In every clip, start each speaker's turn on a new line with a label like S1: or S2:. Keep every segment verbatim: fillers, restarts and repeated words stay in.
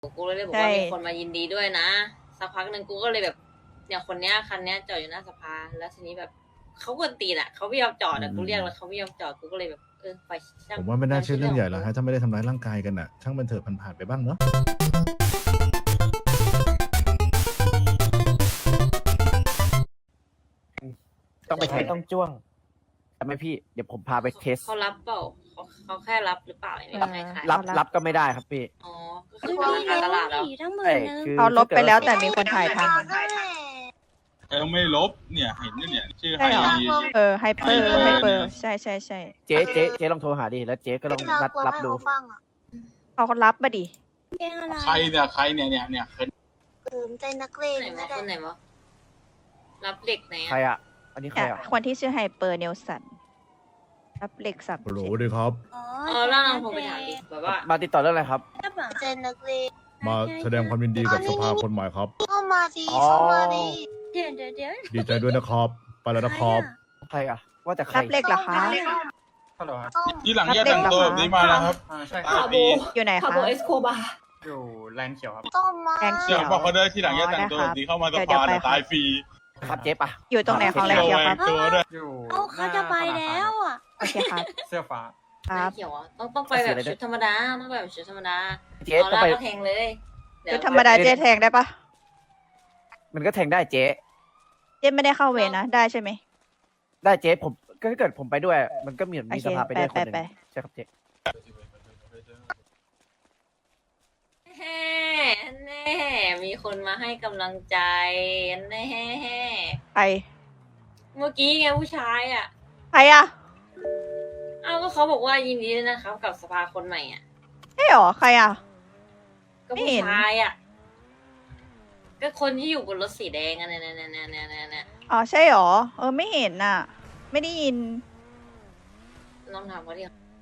S1: กูเลยบอกว่ามีคนมายินดีด้วยนะสักพักหนึ่งกูก็เลยแบบเนี่ยคนเนี้ยคันเนี้ยจอดอยู่หน้าสภาแล้วทีนี้แบบเขากวนตีนอ่ะเขาไม่ยอมจอดอ่ะกูเรียกแล้วเขาไม่ยอมจอดกูก็เลยแบบเออไปช่าง
S2: ผมว่าไม่น่าเชื่อเรื่องใหญ่แล้วฮะถ้าไม่ได้ทำร้ายร่างกายกันอ่ะช่างมันเถอะผ่านๆไปบ้างเนาะ
S3: ต้องไปใช้ต้องจ้วงทำไมพี่เดี๋ยวผมพาไปเทส
S1: เขารับเปล่าเขาเขาแค่รับหรือเปล่าไม่มีใครขาย
S3: รับรับก็ไม่ได้ครับพี่
S1: อ๋อก็คือราคาตลาดแล้ว
S4: ทั้งหมื่
S3: เอ้
S4: น
S3: ย
S4: นึง
S3: คือ
S5: เขาลบไปแล้วแต่มีคนถ่ายทัน
S6: เออไม่ลบเนี่ยเห็นเนี่ยชื่อไฮ
S5: ใช่เหรอ
S6: ยี
S5: เออไฮเปอร์ไฮเปอร์ใช่ใช่ใช่
S3: เจ๊เจ๊เจ๊ลองโทรหาดิแล้วเจ๊ก็ลองนัดรับดู
S5: เขาเขารับมาดิ
S4: เพลงอะไร
S6: ใครเนี่ยใครเนี่ยเนี่ยเนี่ยเคย
S4: เติมใจนักเลง
S1: ไหน
S4: นะ
S1: วะ
S4: แต่
S1: คนไหนวะรับเหล็กไหน
S3: ใคร
S1: อะ
S3: อ่ะ อันนี้ใคร
S5: เนี่ย
S3: อ่ะ
S5: คนที่ชื่อไฮเปอร์เนลสันรับเหล็กสับ
S2: โหลดีครับ
S4: อ๋อ
S1: เออแล้วน้องผมไปถามดิแบบว่า
S3: มาติดต่อเรื่องอะไรครับ
S4: ใจนักเลง
S2: มาแสดงความยินดีกับสภาคนใหม่ครับ
S4: เข้ามาดี
S3: อ๋อ
S4: เข้ามาดี
S7: เดี๋ยวเดี๋ยวเดี๋ยว
S2: ดีใจด้วยนะครับไปแล้วนะครับ
S3: ใครอ่ะ ว่าแต่ใคร
S5: รับเหล็กเหรอคะ
S8: ฮัลโหลครับ
S6: ที่หลังแยกแต่งตัวแบบนี้มานะครับ
S8: อ่าใช่ค
S6: ตา
S8: รับ
S6: ปี
S5: อยู่ไหน
S7: คา
S5: คะ
S7: โบเอสโคบา
S8: อยู่แลนด์เขียวครับ
S4: ต้มมา
S5: แกงเขี
S6: เดี๋
S5: ย
S6: ยว วบอกเขาด้วยที่หลังแยกแต่งตัวแบบนี้เข้ามาสภาเนี่ยตายฟรี
S3: ครับเจ๊ปะ
S5: อยู่ตรงไหนของแรง
S6: ระ
S5: เขียว
S6: แว
S5: ครั
S6: ง
S5: บ
S6: ตัวด้วย
S8: อยู่
S4: เอาเขาจะไปแล้วอ่ะ
S5: โอเคครับ
S8: เสื้อฟ้า
S5: ค
S1: ไม่
S5: รับ
S1: เขียวอ่ะต้องต้องไปแบบชุดธรรมดาต้องไปแบบชุดธรรมดา
S3: เจ๊
S1: เอา
S3: ต้อง
S1: ล่า
S3: ไป
S1: ก็แทงเลยเดี๋ยว
S5: คือธรรมดาเจ๊แทงได้ปะ
S3: มันก็แทงได้เจ๊
S5: เจ๊ไม่ได้เข้าเวรนะได้ใช่ไหม
S3: ได้เจ๊ผมก็ถ้าเกิดผมไปด้วย มันก็มีมี
S5: โอเค
S3: สภาไปด้วยคนหนึ่ง
S5: ไปไป
S3: ใช่ครับเจ๊
S1: แน่แน่มีคนมาให้กำลังใจแน่
S5: ใคร
S1: เมื่อกี้ไงผู้ชายอ่ะ
S5: ใครอะ
S1: เอ้าก็เขาบอกว่ายินดีด้วยนะครับกับสภาคนใหม่อ่ะ
S5: ใช่หรอใครอะ
S1: ก็
S5: ไม่
S1: ผู้
S5: เห็น
S1: ชายอ่ะก็คนที่อยู่บนรถสีแดงอ่ะเนี่ยเนี่ยเนี่ยเนี่ยเนี่ยเนี่ย
S5: อ๋อใช่หรอเออไม่เห็นน่ะ ไม่ได้ยิน
S1: ลองถามเขาดิ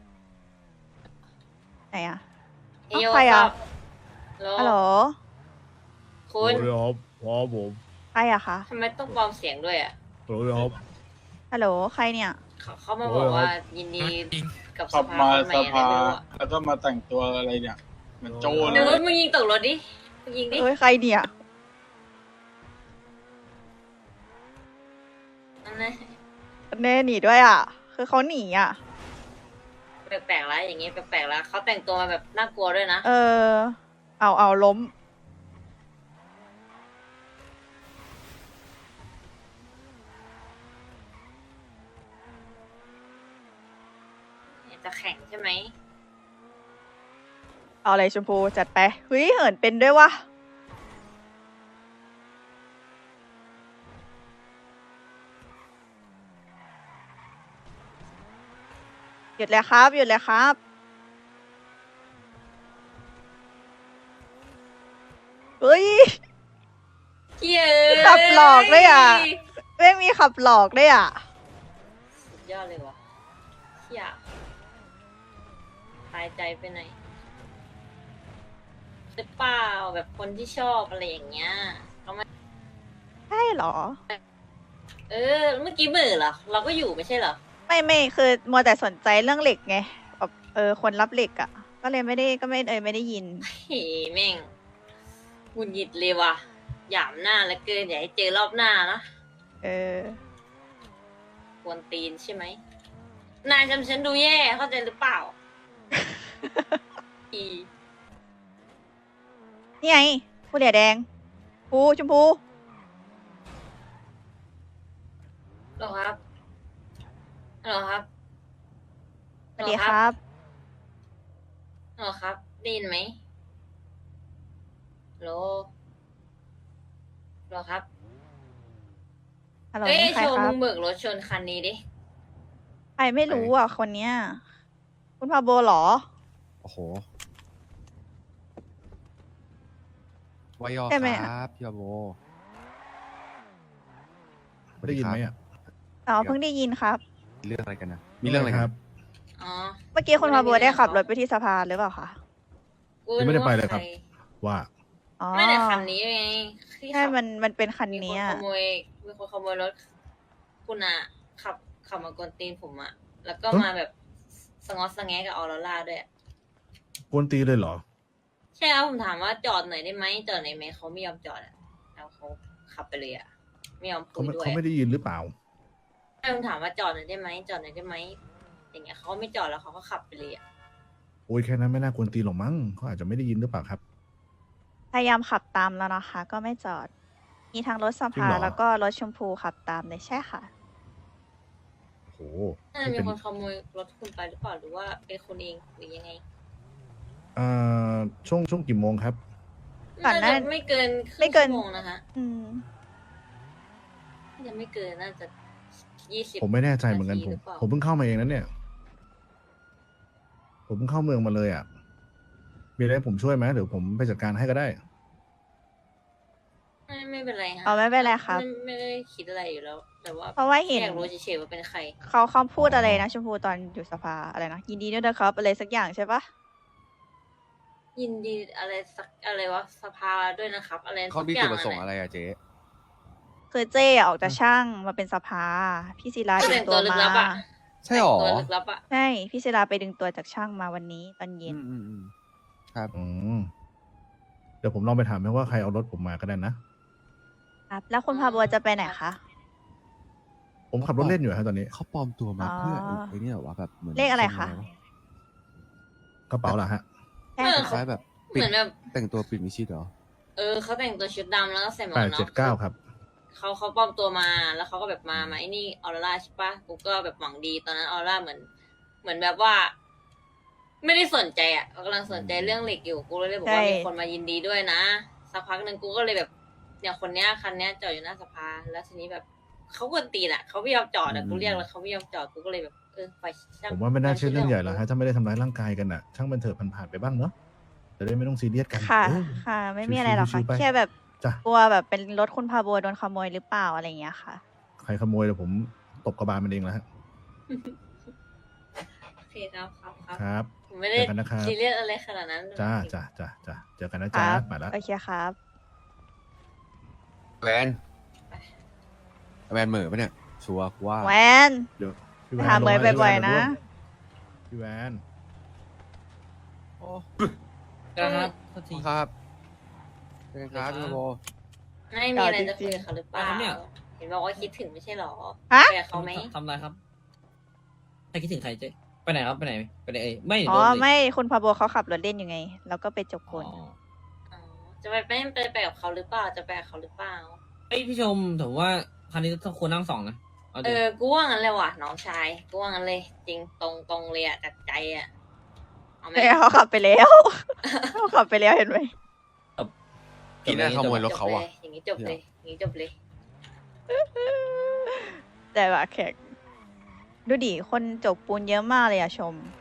S5: ไหนอะ
S1: เอโย
S5: ใครอะ
S1: ฮั
S5: ฮัลโหล
S1: คุณ
S2: โหลดีครับว้าวผม
S5: ใครอะคะ
S1: ทำไมต้องปลอมเสียงด้วยอ่ะ
S2: โหลดีครับ
S5: ฮัลโหลใครเนี่ย
S1: เขาเขามาบอกว่ายินดีกับส
S6: ขับ
S1: ภา
S6: มา
S1: คนใหม่
S6: ส
S1: อะไร
S6: ภา
S1: ไม่รู้อ่ะ
S6: แล้วก็มาแต่งตัวอะไรเนี่ยเหมือนโจร
S1: เดี๋ยว
S6: เลย
S1: มึงยิงตกรถดิมึงยิงดิ
S5: เอ้ยใครเนี่ย
S1: นั่นแหละ
S5: เน่หนีด้วยอ่ะ คือเขาหนีอ่ะ
S1: แปลกๆแล้วอย่างเงี้ยแปลกๆแล้วเขาแต่งตัวมาแบบน่ากลัวด้วยนะ
S5: เออ เอาเอาล้ม
S1: จะแข่งใช่ไหม
S5: เอาอะไรชมพูจัดไปเฮ้ยเหินเป็นด้วยวะหยุดเลยครับหยุดเลยครับเฮ้ย
S1: เย้
S5: ขับหลอกด้วยอ่ะ ไม่มีขับหลอกด้วยอ่ะ
S1: สุดยอดเลยว่ะเฮียตายใจไปไหนหรือเปล่าแบบคนที่ชอบอะไรอย่างเงี้ยเขามา
S5: ใช่เหรอ
S1: เออ เมื่อกี้เบื่อเหรอ เราก็อยู่ไม่ใช่เหรอ
S5: ไม่ไม่คือมัวแต่สนใจเรื่องเหล็กไงแบบเออคนรับเหล็กอ่ะ ก็เลยไม่ได้ก็ไม่เออไม่ได้ยิน
S1: เฮ้แม่งหงุดหงิดเลยว่ะหยามหน้าแล้วเกินอย่าให้เจอรอบหน้านะ
S5: เออ
S1: กวนตีนใช่ไหม นายจำฉันดูแย่เข้าใจหรือเปล่า อี
S5: นี่ไงผู้เหลียแดงผู้ชมพู
S1: หรอครับหรอครับ
S5: สวัสดีครับ
S1: หรอครับได้ยินไหมโหลหรอครับ
S5: ฮัลโหล
S1: เอ้ย
S5: นี่ใคร
S1: โชว์
S5: ครั
S1: มึ
S5: บ
S1: งเบิกรถชนคันนี้ดิ
S5: ใครไม่รู้อ่ะคนเนี้ย คุณพาโบเหรอ
S9: โอ้โหวายอ
S5: ใช่ไหม
S9: ครับพี่บาโบ
S2: ได้ยินไหมอ่ะ
S5: อ๋อเพิ่งได้ยินครับ
S9: มีเรื่องอะไรกันนะ มีเรื่องอะไรครับ
S1: อ๋อ
S5: เมื่อกี้คุณพาโบได้ขับรถไปที่สภาหรือเปล่าคะ
S1: กู
S2: ยังไม่ได้ไปเลยครับ ว่า
S5: อ๋อ
S1: ไม่ได้คันนี้ไงที่
S5: ใช่
S1: ขับ
S5: มันมันเป็นคัน
S1: มีคน
S5: เนี้ย
S1: ขโมยมีคนขโมยรถคุณอะขับขับมากวนตีนผมอะแล้วก็
S2: ฮะ
S1: มาแบบสงอสงแงกับออโรร่าด้วยอะ
S2: กวนตีเลยเหรอ
S1: ใช่ครับผมถามว่าจอดหน่อยได้ไหมจอดหน่อยไหมเขาไม่ยอมจอดอ่ะแล้วเขาขับไปเลยอ่ะไม่ยอมคุ
S2: เขา
S1: ย
S2: ไม่
S1: ด้วย
S2: เขาไม่ได้ยินหรือเปล่า
S1: ใช่ผมถามว่าจอดหน่อยได้ไหมจอดหน่อยได้ไหมอย่างเงี้ยเขาไม่จอดแล้วเขาก็ขับไปเลยอ่ะ
S2: โอ้ยแค่นั้นไม่น่ากวนตีนหรอกมั้งเขาอาจจะไม่ได้ยินหรือเปล่าครับ
S5: พยายามขับตามแล้วนะคะ ก็ไม่จอด มีทั้งรถส
S2: จริง
S5: ภา
S2: เหรอ
S5: แล้วก็รถชมพูขับตามเลยใช่ค่ะ
S2: โอ้โห
S1: น่าจะ
S2: นี่
S1: มี
S2: เป็น
S1: คนขโมยรถคุณไปหรือเปล่าหรือว่าเป็นคุณเองหรือยังไง
S2: อ่าช่วงช่วงกี่โมงครับ
S5: ก่อนหน้า
S1: น่าจะไม่เกินครึ่ง
S5: ไม่เกิน
S1: ชั่วโมงนะคะ
S5: อืม
S1: น่าจะไม่เกินน่าจะยี่สิบ
S2: ผมไม่แน่ใจเหมือนกัน
S1: นาที
S2: ผม
S1: หรือเปล่า
S2: ผมเพิ่งเข้ามาเองนั้นเนี่ย ผมเพิ่งเข้าเมืองมาเลยอ่ะ มีอะไรให้ผมช่วยไหมเดี๋ยวผมไปจัดการให้ก็ได้
S1: ไม่ไม่เป็นไรฮะ
S5: เอาไม่เป็นไรครับ
S1: ไม่ไม่ได้คิดอะไรอยู่แล้ว แต่ว่า
S5: เพราะว่าเห็น
S1: อยากรู้เฉยๆว่าเป็นใคร
S5: เขาเขาพูดอะไรนะชมพูตอนอยู่สภาอะไรนะยินดีด้วยนะครับอะไรสักอย่างใช่ปะ
S1: ยินดีอะไรสักอะไรวะสภาด้วยนะครับ อะไร
S9: เขา
S1: สัก
S9: มี
S1: อ
S9: จุ
S1: ย่า
S9: ด
S1: ง
S9: ประสงค์
S1: อะ
S9: อะไรอะเจ๊
S5: คือเจ๊ออกจากช่างมาเป็นสภา พี่ศิลา
S1: ก็
S5: ดึ
S1: แต่
S5: ง
S1: ง
S5: ตั
S1: ตัว วลึก
S5: มา
S1: ลับอะ
S9: ใช่หรอ
S1: แต่งตัวลึกลับอะ
S5: ใช่พี่ศิลาไปดึงตัวจากช่างมาวันนี้ตอนเย็
S9: อื
S5: น
S9: มอืมอืมครับ
S2: อืมเดี๋ยวผมลองไปถามให้ว่าใครเอารถผมมาก็ได้นะ
S5: ครับ แล้วคุณพาบัวจะไปไหนคะ
S2: ผมขับรถเล่นอยู่ครับตอนนี้
S9: เขาปลอมตัวมา
S5: อ๋อ
S9: เพื่อไอ้เนี่ยเหรอวะแบบเหมือน
S5: เลขอะไรคะ
S9: ทรงว
S2: กระเป๋าล่ะฮะ
S5: ใช่
S1: เออ
S5: ค่ะ
S9: คล้ายๆแบบ
S1: เห
S9: ปิด
S1: มือนแบบ
S9: แต่งตัวปิดมิชิดเหรอ
S1: เออเขาแต่งตัวชุดดำแล้วก็ใส่หมวก
S2: แป
S1: กั
S2: ด
S1: นน็
S2: เจ็
S1: อ
S2: ด
S1: ก
S2: เก้าครับ
S1: เขาเขาปลอมตัวมาแล้วเขาก็แบบมามาไอ้นี่ออร่าใช่ปะกูก็แบบหวังดีตอนนั้นออร่าเหมือน เหมือนแบบว่า ไม่ได้สนใจอ่ะเขากำลังสนใจเรื่องเหล็กอยู่กูเลยบอกว่ามีคนมายินดีด้วยนะสักพักหนึ่งกูก็เลยแบบเนี่ยคนเนี้ยคันเนี้ยจอดอยู่หน้าสภาแล้วทีนี้แบบเขากวนตีนอ่ะเขาไม่ยอมจอดอ่ะกูเรียกแล้วเขาไม่ยอมจอดกูก็เลยแบบเออไปช่ง
S2: ผมว่าไม่น่าเชื่อเรื่องใหญ่หรอก
S1: ข
S2: ฮะถ้าไม่ได้ทำร้ายร่างกายกันอ่ะ ช่างมันเถอะผ่านๆไปบ้างเนาะจะได้ไม่ต้องซีเรียสกัน
S5: ค่ะ
S2: เออ
S5: ค่ะ ไม่มีอะไรหรอกค่ะ
S2: ชิวๆไป
S5: แค่แบบ
S2: จ้ะ
S5: กลัวแบบเป็นรถคุณพาบัวโดนขโมยหรือเปล่าอะไรอย่างเงี้ยค่ะ
S2: ใครขโมยเดี๋ยวผมตบกระบาลมันเองแล้วฮะ
S1: โอเคครับครับครับ
S2: ครับ
S1: ผมไม่ได้
S2: เจอกันนะครับ
S1: ซีเรียสอะไรขนาดนั้น
S2: จ้าจ้าจ้าจ้าเจอกันนะ
S5: ค
S2: จ้า
S5: รับ
S2: มาแล้ว
S5: โอเคครับ
S9: แวนแวนเหม่อปะเนี่ย ชัวร์กูว่า
S5: แวน
S2: เดี๋ยวพี่
S5: ไป
S2: แวน
S5: หาเมย
S2: ลงมา
S5: บ่อยๆนะ
S2: พี่แวน
S9: โอ้
S7: ครับโทษที
S9: ครับเป็นไงครับพี่โบ
S1: ไม่มีอะไรจะคุยกับเขาหรือเปล่า
S7: ครับเนี่ย
S1: เห็นบอกว่าคิดถึงไม่ใช่หรอ
S5: ฮะ
S1: ไปกับเขาไหม
S7: ทำอะไรครับใครคิดถึงใครเจ๊ไปไหนครับไปไหนไปไหนเอ้ยไม่
S5: อ๋อ
S7: โดนเลย
S5: ไม่คุณพาบัวเขาขับรถเล่นอยู่ไง แล้วก็ไปจกค
S7: อ๋อน
S1: อ๋อจะไปไปไปไปกับเขาหรือเปล่าจะไปกับเขาหรือเปล่า
S7: เอ้ยพี่ชมผมว่าคันนี้ต้องควรนั่งสองนะเอา
S1: เอ
S7: ดิ
S1: อกูว่างั้นเลยว่ะน้องชายกูว่างั้นเลย จริงตรงตรงเลยอะจากใจอะเอาไหม
S5: ไม่เขาขับไปแล้ว เขาขับไปแล้วเห็นไหม
S9: พี่น่าขโมยรถเขา
S1: จบ
S9: อ่ะ
S1: เลยอย่างนี้จบเลยอย่างนี้จบเลย
S5: แต่ว่าแขกดูดิคนจกปูนเยอะมากเลยอะชม